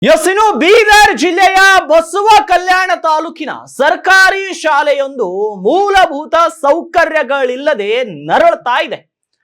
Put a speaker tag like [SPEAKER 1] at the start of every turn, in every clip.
[SPEAKER 1] ಇನ್ನು ಬೀದರ್ ಜಿಲ್ಲೆಯ ಬಸವ ಕಲ್ಯಾಣ ತಾಲೂಕಿನ ಸರ್ಕಾರಿ ಶಾಲೆಯೊಂದು ಮೂಲಭೂತ ಸೌಕರ್ಯಗಳಿಲ್ಲದೆ ನರಳುತ್ತಾ ಇದೆ.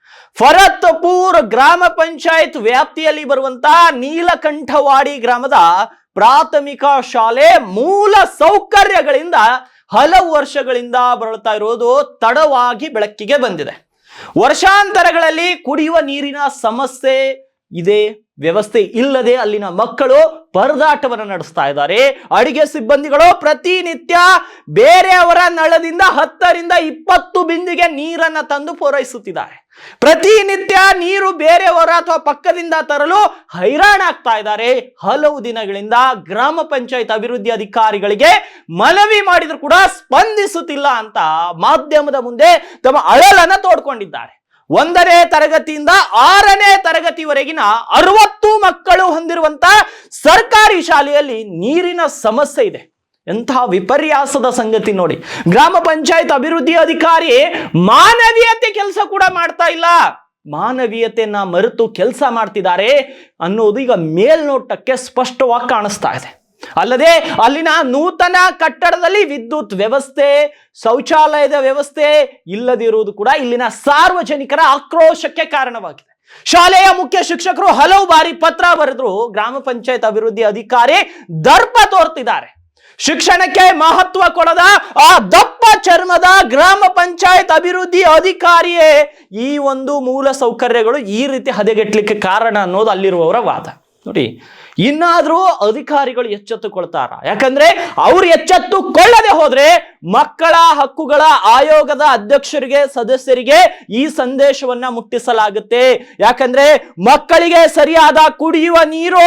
[SPEAKER 1] ಫರತ್ಪುರ್ ಗ್ರಾಮ ಪಂಚಾಯತ್ ವ್ಯಾಪ್ತಿಯಲ್ಲಿ ಬರುವಂತಹ ನೀಲಕಂಠವಾಡಿ ಗ್ರಾಮದ ಪ್ರಾಥಮಿಕ ಶಾಲೆ ಮೂಲ ಸೌಕರ್ಯಗಳಿಂದ ಹಲವು ವರ್ಷಗಳಿಂದ ಬಳಲ್ತಾ ಇರೋದು ತಡವಾಗಿ ಬೆಳಕಿಗೆ ಬಂದಿದೆ. ವರ್ಷಾಂತರಗಳಲ್ಲಿ ಕುಡಿಯುವ ನೀರಿನ ಸಮಸ್ಯೆ ಇದೆ, ವ್ಯವಸ್ಥೆ ಇಲ್ಲದೆ ಅಲ್ಲಿನ ಮಕ್ಕಳು ಪರದಾಟವನ್ನು ನಡೆಸ್ತಾ ಇದ್ದಾರೆ. ಅಡಿಗೆ ಸಿಬ್ಬಂದಿಗಳು ಪ್ರತಿನಿತ್ಯ ಬೇರೆಯವರ ನಳದಿಂದ 10 ರಿಂದ 20 ಬಿಂದಿಗೆ ನೀರನ್ನ ತಂದು ಪೂರೈಸುತ್ತಿದ್ದಾರೆ. ಪ್ರತಿನಿತ್ಯ ನೀರು ಬೇರೆಯವರ ಅಥವಾ ಪಕ್ಕದಿಂದ ತರಲು ಹೈರಾಣಾಗ್ತಾ ಇದ್ದಾರೆ. ಹಲವು ದಿನಗಳಿಂದ ಗ್ರಾಮ ಪಂಚಾಯತ್ ಅಭಿವೃದ್ಧಿ ಅಧಿಕಾರಿಗಳಿಗೆ ಮನವಿ ಮಾಡಿದ್ರು ಕೂಡ ಸ್ಪಂದಿಸುತ್ತಿಲ್ಲ ಅಂತ ಮಾಧ್ಯಮದ ಮುಂದೆ ತಮ್ಮ ಅಳಲನ್ನ ತೋಡ್ಕೊಂಡಿದ್ದಾರೆ. 1ನೇ ತರಗತಿಯಿಂದ 6ನೇ ತರಗತಿವರೆಗಿನ 60 ಮಕ್ಕಳು ಹೊಂದಿರುವಂತ ಸರ್ಕಾರಿ ಶಾಲೆಯಲ್ಲಿ ನೀರಿನ ಸಮಸ್ಯೆ ಇದೆ. ಎಂತಹ ವಿಪರ್ಯಾಸದ ಸಂಗತಿ ನೋಡಿ. ಗ್ರಾಮ ಪಂಚಾಯತ್ ಅಭಿವೃದ್ಧಿ ಅಧಿಕಾರಿ ಮಾನವೀಯತೆ ಕೆಲಸ ಕೂಡ ಮಾಡ್ತಾ ಇಲ್ಲ, ಮಾನವೀಯತೆಯನ್ನ ಮರೆತು ಕೆಲಸ ಮಾಡ್ತಿದ್ದಾರೆ ಅನ್ನೋದು ಈಗ ಮೇಲ್ನೋಟಕ್ಕೆ ಸ್ಪಷ್ಟವಾಗಿ ಕಾಣಿಸ್ತಾ ಇದೆ. ಅಲ್ಲದೆ ಅಲ್ಲಿನ ನೂತನ ಕಟ್ಟಡದಲ್ಲಿ ವಿದ್ಯುತ್ ವ್ಯವಸ್ಥೆ, ಶೌಚಾಲಯದ ವ್ಯವಸ್ಥೆ ಇಲ್ಲದಿರುವುದು ಕೂಡ ಇಲ್ಲಿನ ಸಾರ್ವಜನಿಕರ ಆಕ್ರೋಶಕ್ಕೆ ಕಾರಣವಾಗಿದೆ. ಶಾಲೆಯ ಮುಖ್ಯ ಶಿಕ್ಷಕರು ಹಲವು ಬಾರಿ ಪತ್ರ ಬರೆದ್ರು ಗ್ರಾಮ ಪಂಚಾಯತ್ ಅಭಿವೃದ್ಧಿ ಅಧಿಕಾರಿ ದರ್ಪ ತೋರ್ತಿದ್ದಾರೆ. ಶಿಕ್ಷಣಕ್ಕೆ ಮಹತ್ವ ಕೊಡದ ಆ ದಪ್ಪ ಚರ್ಮದ ಗ್ರಾಮ ಪಂಚಾಯತ್ ಅಭಿವೃದ್ಧಿ ಅಧಿಕಾರಿಯೇ ಈ ಒಂದು ಮೂಲ ಸೌಕರ್ಯಗಳು ಈ ರೀತಿ ಹದಗೆಟ್ಲಿಕ್ಕೆ ಕಾರಣ ಅನ್ನೋದು ಅಲ್ಲಿರುವವರ ವಾದ. ನೋಡಿ, ಇನ್ನಾದ್ರೂ ಅಧಿಕಾರಿಗಳು ಎಚ್ಚೆತ್ತುಕೊಳ್ತಾರ? ಯಾಕಂದ್ರೆ ಅವ್ರು ಎಚ್ಚೆತ್ತುಕೊಳ್ಳದೆ ಹೋದ್ರೆ ಮಕ್ಕಳ ಹಕ್ಕುಗಳ ಆಯೋಗದ ಅಧ್ಯಕ್ಷರಿಗೆ, ಸದಸ್ಯರಿಗೆ ಈ ಸಂದೇಶವನ್ನ ಮುಟ್ಟಿಸಲಾಗುತ್ತೆ. ಯಾಕಂದ್ರೆ ಮಕ್ಕಳಿಗೆ ಸರಿಯಾದ ಕುಡಿಯುವ ನೀರು,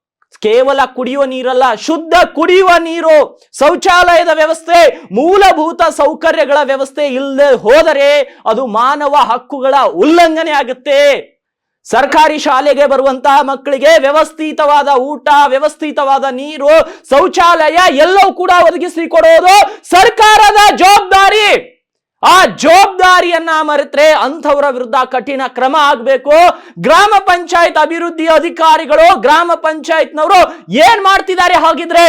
[SPEAKER 1] ಕೇವಲ ಕುಡಿಯುವ ನೀರಲ್ಲ, ಶುದ್ಧ ಕುಡಿಯುವ ನೀರು, ಶೌಚಾಲಯದ ವ್ಯವಸ್ಥೆ, ಮೂಲಭೂತ ಸೌಕರ್ಯಗಳ ವ್ಯವಸ್ಥೆ ಇಲ್ಲದೆ ಹೋದರೆ ಅದು ಮಾನವ ಹಕ್ಕುಗಳ ಉಲ್ಲಂಘನೆ ಆಗುತ್ತೆ. ಸರ್ಕಾರಿ ಶಾಲೆಗೆ ಬರುವಂತಹ ಮಕ್ಕಳಿಗೆ ವ್ಯವಸ್ಥಿತವಾದ ಊಟ, ವ್ಯವಸ್ಥಿತವಾದ ನೀರು, ಶೌಚಾಲಯ ಎಲ್ಲವೂ ಕೂಡ ಒದಗಿಸಿ ಕೊಡೋದು ಸರ್ಕಾರದ ಜವಾಬ್ದಾರಿ. ಆ ಜವಾಬ್ದಾರಿಯನ್ನ ಮರೆತರೆ ಅಂಥವರ ವಿರುದ್ಧ ಕಠಿಣ ಕ್ರಮ ಆಗಬೇಕು. ಗ್ರಾಮ ಪಂಚಾಯತ್ ಅಭಿವೃದ್ಧಿ ಅಧಿಕಾರಿಗಳು, ಗ್ರಾಮ ಪಂಚಾಯತ್ನವರು ಏನ್ ಮಾಡ್ತಿದ್ದಾರೆ ಹಾಗಿದ್ರೆ?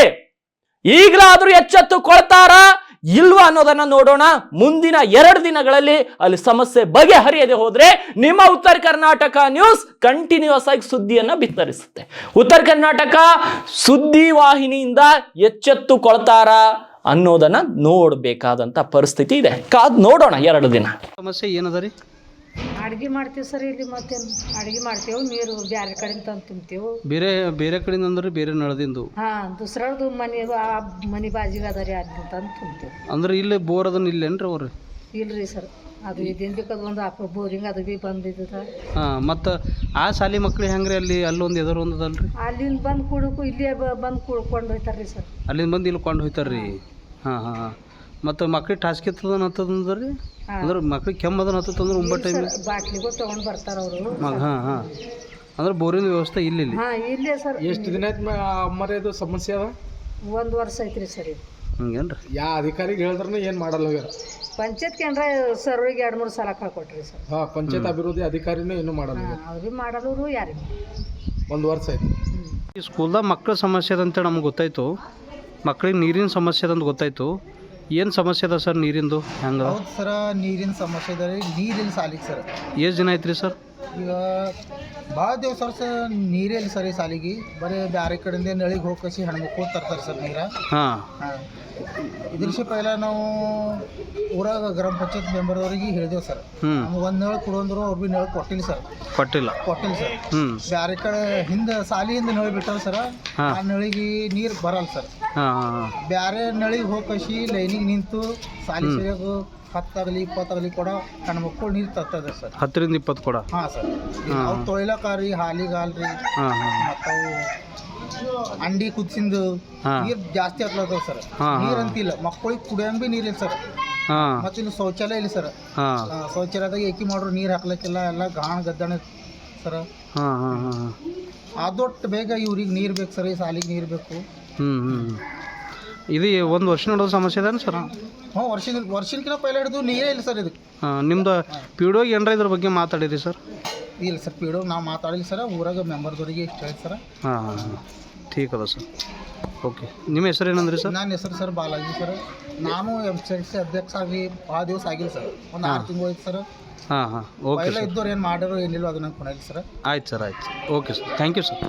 [SPEAKER 1] ಈಗಲಾದ್ರೂ ಎಚ್ಚೆತ್ತುಕೊಳ್ತಾರಾ ಇಲ್ವಾ ಅನ್ನೋದನ್ನ ನೋಡೋಣ. ಮುಂದಿನ 2 ದಿನಗಳಲ್ಲಿ ಅಲ್ಲಿ ಸಮಸ್ಯೆ ಬಗೆಹರಿಯದೆ ಹೋದ್ರೆ ನಿಮ್ಮ ಉತ್ತರ ಕರ್ನಾಟಕ ನ್ಯೂಸ್ ಕಂಟಿನ್ಯೂಸ್ ಆಗಿ ಸುದ್ದಿಯನ್ನ ಬಿತ್ತರಿಸುತ್ತೆ. ಉತ್ತರ ಕರ್ನಾಟಕ ಸುದ್ದಿ ವಾಹಿನಿಯಿಂದ ಎಚ್ಚೆತ್ತುಕೊಳ್ತಾರ ಅನ್ನೋದನ್ನ ನೋಡ್ಬೇಕಾದಂತ ಪರಿಸ್ಥಿತಿ ಇದೆ. ಕಾದ್ ನೋಡೋಣ 2 ದಿನ.
[SPEAKER 2] ಸಮಸ್ಯೆ ಏನದ ರೀ?
[SPEAKER 3] ಅಡ್ಗೆ ಮಾಡ್ತೀವಿ ಸರ್, ಇಲ್ಲಿ ಮತ್ತೆ ಅಡ್ಗೆ ಮಾಡ್ತೇವೆ, ನೀರು ಬೇರೆ ಕಡೆಯಿಂದ ತಂದು ತುಂಬ್ತೇವೆ.
[SPEAKER 2] ಬೇರೆ ಕಡೆಯಿಂದ ಅಂದ್ರೆ ಬೇರೆ ನಳದಿಂದು?
[SPEAKER 3] ದುಸರದು ಮನೆ ಬಾಜಿಗೆ ಅದ ರೀ, ಅದನ್ನ ತಂದು ತುಂಬ್ತೇವೆ.
[SPEAKER 2] ಅಂದ್ರೆ ಇಲ್ಲಿ ಬೋರ್ ಅದನ್ನ ಇಲ್ಲೇನ್ರಿ ಅವ್ರಿ?
[SPEAKER 3] ಇಲ್ರಿ ಸರ್, ಅದು ಇದೇನು ಬೇಕಾದ ಒಂದು ಹಾಕೋ ಬೋರಿಂಗ್ ಅದು ಭೀ ಬಂದಿದ್ದದ.
[SPEAKER 2] ಮತ್ತು ಆ ಶಾಲೆ ಮಕ್ಳು ಹೆಂಗ್ರಿ? ಅಲ್ಲೊಂದು ಎದುರು ಒಂದದಲ್ರಿ,
[SPEAKER 3] ಅಲ್ಲಿಂದ ಬಂದು ಕುಡ್ಕು ಇಲ್ಲೇ ಬಂದು ಕುಡ್ಕೊಂಡು ಹೋಯ್ತಾರ್ರಿ ಸರ್.
[SPEAKER 2] ಅಲ್ಲಿಂದ ಬಂದು ಇಲ್ಲಿ ಕೊಂಡು ಹೋಯ್ತಾರ್ರಿ. ಹಾಂ. ಮತ್ತು ಮಕ್ಳಿಗೆ ಟಾಸ್ಕ್ ಇರ್ತದ ಹತ್ತದಂದ್ರಿ? ಅಂದ್ರೆ ಮಕ್ಳಿಗೆ ಕೆಮ್ಮದನ್ನ ಹತ್ತಂದ್ರೆ ಒಂಬತ್ತು ಟೈಮ್
[SPEAKER 3] ಬಾಟ್ಲಿಗೂ ತೊಗೊಂಡು ಬರ್ತಾರ ಅವರು.
[SPEAKER 2] ಹಾಂ. ಅಂದ್ರೆ ಬೋರಿನ ವ್ಯವಸ್ಥೆ ಇಲ್ಲಿ?
[SPEAKER 3] ಇಲ್ಲೇ ಸರ್.
[SPEAKER 4] ಎಷ್ಟು ದಿನ ಆಯ್ತು ಅಮ್ಮರೇ ಇದು ಸಮಸ್ಯೆ ಅದ?
[SPEAKER 3] 1 ವರ್ಷ ಐತ್ರಿ ಸರ್. ಇದು
[SPEAKER 2] ಹಂಗೇನ್ರಿ?
[SPEAKER 4] ಯಾ ಅಧಿಕಾರಿಗೆ ಹೇಳಿದ್ರೂ ಏನು ಮಾಡಲ್ಲ ಹೋಗ್ಯಾರ.
[SPEAKER 3] ಪಂಚಾಯತ್ ಕೇಂದ್ರ ಸರ್ವಿಗೆ 2-3 ಸಲ ಕಳ್ಕೊಟ್ರಿ ಸರ್.
[SPEAKER 4] ಪಂಚಾಯತ್ ಅಭಿವೃದ್ಧಿ ಅಧಿಕಾರಿನೂ ಇನ್ನೂ ಮಾಡಲ್ಲ.
[SPEAKER 3] ಅವ್ರಿಗೆ ಮಾಡೋರು ಯಾರಿಗೆ
[SPEAKER 4] 1 ವರ್ಷ ಆಯ್ತು.
[SPEAKER 2] ಈ ಸ್ಕೂಲ್ದಾಗ ಮಕ್ಕಳ ಸಮಸ್ಯೆ ಅದಂತೇಳಿ ನಮ್ಗೆ ಗೊತ್ತಾಯ್ತು, ಮಕ್ಳಿಗೆ ನೀರಿನ ಸಮಸ್ಯೆ ಅದಂತ ಗೊತ್ತಾಯ್ತು. ಏನು ಸಮಸ್ಯೆ ಅದ ಸರ್ ನೀರಿಂದು? ಹೆಂಗೆ?
[SPEAKER 5] ಹೌದು ಸರ, ನೀರಿನ ಸಮಸ್ಯೆ ಇದೆ ರೀ. ನೀರಿಲ್ಲ ಸಾಲಿಗೆ ಸರ್.
[SPEAKER 2] ಎಷ್ಟು ದಿನ ಆಯ್ತು ರೀ ಸರ್?
[SPEAKER 5] ಈಗ ಭಾಳ ದಿವಸ ಸರ್ ನೀರಿಲ್ಲ ಸರ್. ಈ ಸಾಲಿಗೆ ಬರೀ ಬೇರೆ ಕಡೆಯಿಂದ ನಳಿಗೆ ಹೋಗಿ ಹೆಣ್ಮಕ್ಳು ತರ್ತಾರೆ ಸರ್ ನೀರ.
[SPEAKER 2] ಹಾಂ.
[SPEAKER 5] ಇದ್ರ ಪೈಲ ನಾವು ಊರಾಗ ಗ್ರಾಮ ಪಂಚಾಯತ್ ಮೆಂಬರ್ದವ್ರಿಗೆ ಹೇಳಿದೆವು ಸರ್. ನಮ್ಗೆ 1 ನಳ ಕೊಡಂದ್ರು ಅವ್ರು ಭೀ ನಳ ಕೊಟ್ಟಿಲ್ಲ ಸರ್. ಕೊಟ್ಟಿಲ್ಲ ಸರ್. ಬೇರೆ ಕಡೆ ಹಿಂದೆ ಸಾಲಿಯಿಂದ ನಳಿ ಬಿಟ್ಟಾರ ಸರ್. ಆ ನಳಿಗೆ ನೀರು ಬರಲ್ಲ ಸರ್. ಬೇರೆ ನಳಿಗೆ ಹೋಗಿ ಲೈನಿಗೆ ನಿಂತು ಸಾಲಿ ಸರಿಯಾಗ 10 ಆಗಲಿ 20 ಆಗಲಿ ಕೂಡ ಹೆಣ್ಮಕ್ಳು ನೀರು ತರ್ತದೆ ಸರ್.
[SPEAKER 2] 10 ರಿಂದ 20 ಕೂಡ?
[SPEAKER 5] ಹಾಂ ಸರ್. ಅವು ತೊಳಿಲಕ್ಕಾರಿ, ಹಾಲಿಗಾಲ್ರಿ, ಮತ್ತು ಅವು ಅಂಡಿ ಕುದಿಸಿಂದು ನೀರು ಜಾಸ್ತಿ ಆಗ್ಲತ್ತವ ಸರ್. ನೀರು ಅಂತಿಲ್ಲ, ಮಕ್ಕಳಿಗೆ ಕುಡಿಯಂಗೆ ಭೀ ನೀರಿಲ್ಲ ಸರ್. ಮತ್ತು ಇಲ್ಲಿ ಶೌಚಾಲಯ ಇಲ್ಲ ಸರ್. ಶೌಚಾಲಯದಾಗ ಏಕಿ ಮಾಡ್ರು ನೀರು ಹಾಕ್ಲಿಕ್ಕಿಲ್ಲ, ಎಲ್ಲ ಗಾಣ ಗದ್ದಣ ಸರ್. ಅದೊಟ್ಟು ಬೇಗ ಇವ್ರಿಗೆ ನೀರು ಬೇಕು ಸರ್, ಈ ಸಾಲಿಗೆ ನೀರು ಬೇಕು.
[SPEAKER 2] ಇದು 1 ವರ್ಷ ನೋಡೋ ಸಮಸ್ಯೆ ಅದ ಸರ್?
[SPEAKER 5] ವರ್ಷಕ್ಕಿಂತ ಪೈಲ ಹಿಡಿದು ನೀರೇ ಇಲ್ಲ ಸರ್ ಇದಕ್ಕೆ.
[SPEAKER 2] ನಿಮ್ದು ಪಿಡಿಒಗೆ ಏನಾರ ಇದ್ರ ಬಗ್ಗೆ ಮಾತಾಡಿರಿ ಸರ್?
[SPEAKER 5] ಇಲ್ಲ ಸರ್, ಪಿಡಿಒ ನಾವು ಮಾತಾಡಿಲ್ಲ ಸರ್. ಊರಾಗ ಮೆಂಬರ್ದವ್ರಿಗೆ ಇಷ್ಟ ಹೇಳಿ ಸರ್.
[SPEAKER 2] ಠೀಕ್ ಅದ ಸರ್. ಓಕೆ, ನಿಮ್ಮ ಹೆಸರು ಏನಂದ್ರಿ ಸರ್?
[SPEAKER 5] ನನ್ನ ಹೆಸರು ಸರ್ ಬಾಲಾಜಿ ಸರ್. ನಾನು MCC ಅಧ್ಯಕ್ಷ ಆಗಿ ಭಾಳ ದಿವಸ ಆಗಿಲ್ಲ ಸರ್, ಒಂದು 6 ತಿಂಗಳು ಹೋಯ್ತು ಸರ್.
[SPEAKER 2] ಹಾಂ ಹಾಂ, ಓಕೆ
[SPEAKER 5] ಪೈಲ
[SPEAKER 2] ಸರ್.
[SPEAKER 5] ಇದ್ದವ್ರು ಏನು ಮಾಡಿರೋ ಏನಿಲ್ಲ ಅದನ್ನ ಕೊನೆಯಲ್ಲಿ ಸರ್.
[SPEAKER 2] ಆಯ್ತು ಸರ್, ಆಯ್ತು. Okay sir, thank you sir.